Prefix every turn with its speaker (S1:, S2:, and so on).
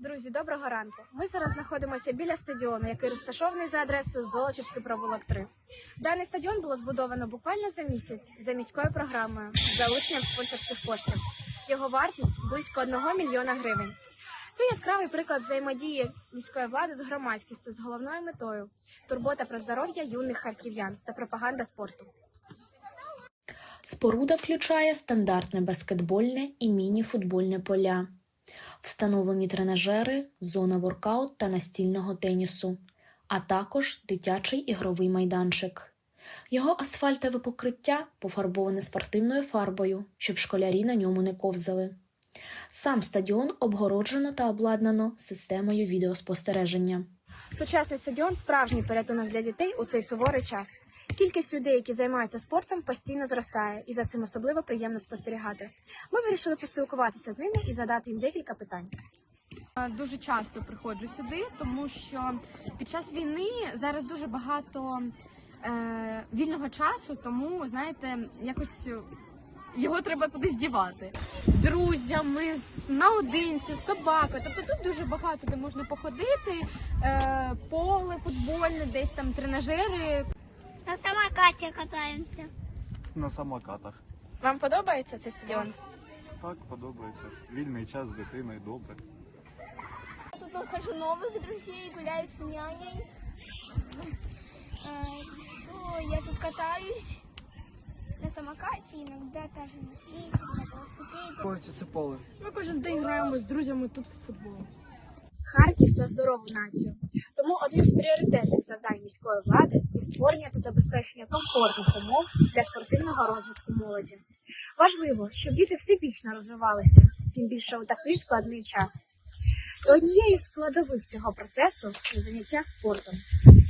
S1: Друзі, доброго ранку. Ми зараз знаходимося біля стадіону, який розташований за адресою Золочівський провулок 3. Даний стадіон було збудовано буквально за місяць за міською програмою з залученням спонсорських коштів. Його вартість – близько 1 мільйона гривень. Це яскравий приклад взаємодії міської влади з громадськістю з головною метою – турбота про здоров'я юних харків'ян та пропаганда спорту.
S2: Споруда включає стандартне баскетбольне і міні-футбольне поля, встановлені тренажери, зона воркаут та настільного тенісу, а також дитячий ігровий майданчик. Його асфальтове покриття пофарбоване спортивною фарбою, щоб школярі на ньому не ковзали. Сам стадіон обгороджено та обладнано системою відеоспостереження.
S1: Сучасний стадіон – справжній порятунок для дітей у цей суворий час. Кількість людей, які займаються спортом, постійно зростає, і за цим особливо приємно спостерігати. Ми вирішили поспілкуватися з ними і задати їм декілька питань.
S3: Дуже часто приходжу сюди, тому що під час війни зараз дуже багато вільного часу, тому, знаєте, якось його треба кудись дівати. Друзями, наодинці, з собакою. Тобто тут дуже багато де можна походити, поле футбольне, десь там тренажери.
S4: На самокате катаемся.
S5: На самокатах.
S1: Вам подобається цей стадіон?
S5: Так, подобається. Вільний час з дитиною, добре.
S4: Тут нахожу новых друзей, гуляю с няней. Я тут катаюсь на самокате, иногда даже на скейте, на велосипеде.
S6: Це поле.
S3: Ми кожен день граємо з друзями тут в футбол.
S1: Харків за здорову націю. Тому одним з пріоритетних завдань міської влади є створення та забезпечення комфортних умов для спортивного розвитку молоді. Важливо, щоб діти всебічно розвивалися, тим більше у такий складний час. І однією з складових цього процесу є заняття спортом.